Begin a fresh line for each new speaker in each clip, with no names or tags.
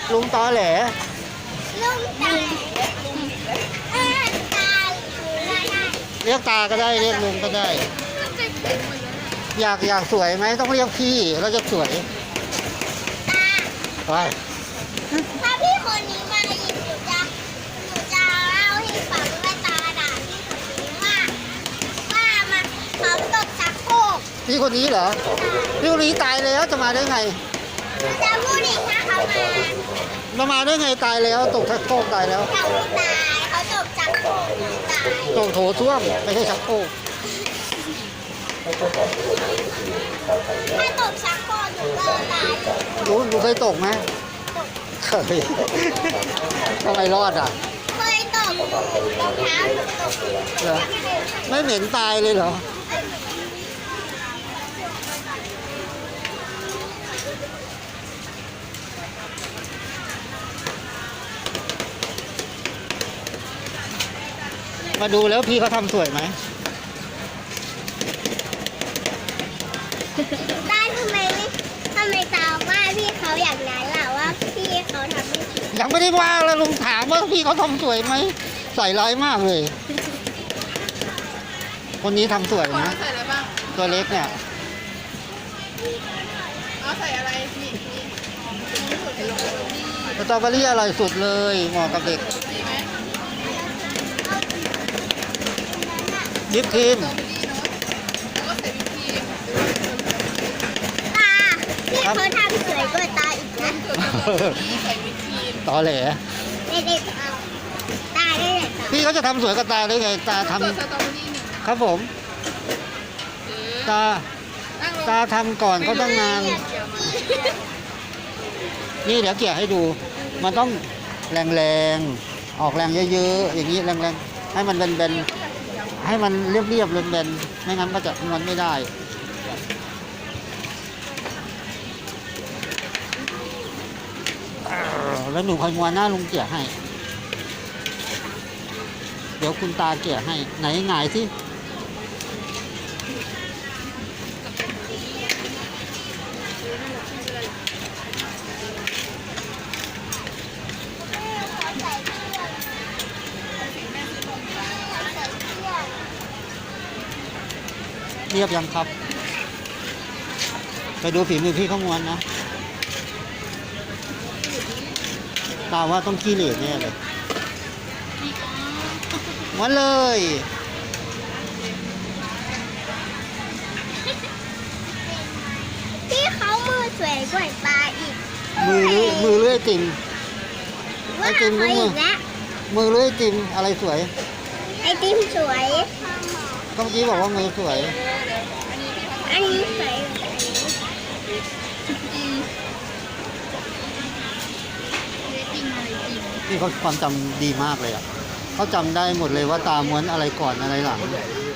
ลุงตอแหล
ลุงตาตาได้
เรียกตาก็ได้เรียกลุงก็ได้ อยากสวยไหมต้องเรียกพี่แล้วจะสวย
ตา
ไป
ถ้าพี่คนนี้มาอีกหนูจะเล่าให้ฟังว่าตาด่าพี่คนนี้ว่ามาเขาตกชักโครก
พี่คนนี้เหรอพี่คนนี้ตายแล้วจะมาได้ไง
หนูจะพูดอีกถ้าเขา
มาได้ไงตายแล้วตกชักโครกตายแล้ว
เขาไม่ตายเขาตกชักโครกหนูตาย
ตกโถส้วมไม่ใช่ชักโครก
ถ้าตกชักโครกหนูก็ตาย
รู้เคยตกไหมเคย ทำไมรอดอ่ะ
เคยตกรองเท้าหนูตก
เหรอไม่เหม็นตายเลยเหรอมาดูแล้วพี่เขาทำสวยไหม
ได้ทำไมตาว่าพี่เขาอย่างนั้นล่ะว่าพี่เขาทำไม่ผิด
ยังไม่ได้ว่าแล้วลุงถามว่าพี่เขาทำสวยไหมใส่ร้ายมากเลย คนนี้ทำสวยนะ
ใส่อะไรบ้าง
ตัวเล็กเนี่ย
เอาใส่อะไรนี่
สตรอเบอรี่อร่อยสุดเลยเหมาะกับเด็ก
ดีไหม
ยิปครีม
ตรงนี้เนาะแล้วก็ใส่วิปครีม
ตาพี่เขาทำสวยกว่าตาอีกนะ
นี่ใส่วิปครีม
ตอแหล
เด็กๆเอาตาได้เลยตา
พี่เขาจะทำสวยกับตาได้ไงตาทำ
ตัวสตรอเบอรี่หนึ่ง
ครับผม ตา
นั่งลง
ตาทำก่อนเขาตั้งนาน นี่เดี๋ยวเกี่ยให้ดู มันต้องแรงๆ ออกแรงเยอะๆ อย่างนี้แรงๆ ให้มันเบนๆ ให้มันเรียบๆเบนๆ ไม่งั้นก็จะม้วนไม่ได้ แล้วหนูคอยม้วนหน้าลุงเกี่ยให้ เดี๋ยวคุณตาเกี่ยให้ ไหนหงายสิ เรียบยังครับ ไปดูฝีมือพี่เขาม้วนนะ ตาว่าต้องขี้เหร่แน่เลยม้วนเลย
พี่เขามือสวยกว่าตาอีก
มือเลื่อยติ่ม
ว่า
ไอติมก็
เขา
มื
อี
อ
กแล้ว
มือเลื่อยติ่มอะไรสวย
ไอติมสวย
ก็เมื่อกี้บอกว่ามือสวย
อันนี้สวยกว่าอันนี้
นี่เขาความจำดีมากเลยอ่ะเขาจำได้หมดเลยว่าตาม้วนอะไรก่อนอะไรหลัง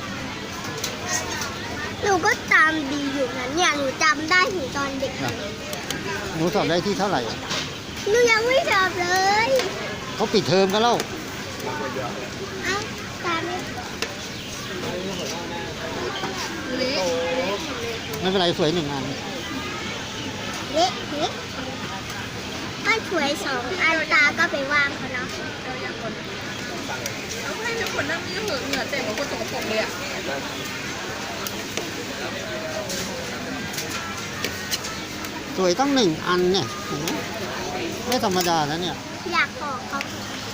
หนูก็จำดีอยู่นะเนี่ยหนูจำได้ถึงตอนเด็ก
นะหนูสอบได้ที่เท่าไหร่อะ
หนูยังไม่สอบเลย
เขาปิดเทอมกันแล้ว
เอ้าตาไม่
เละ
ไม่เป็นไรสวยหนึ่งอัน
เละเทะก็สวยสองอันตาก็ไปวางเขาเนาะ
เอาให้ทุกคนนั่งนี่เหอะเหงื่อเต็มเหมือนคนสกปรกเลยอ่ะ
สวยตั้งหนึ่งอันเนี่ยเห็นไหมไม่ธรรมดานะเนี่ย
อยากบอกเขา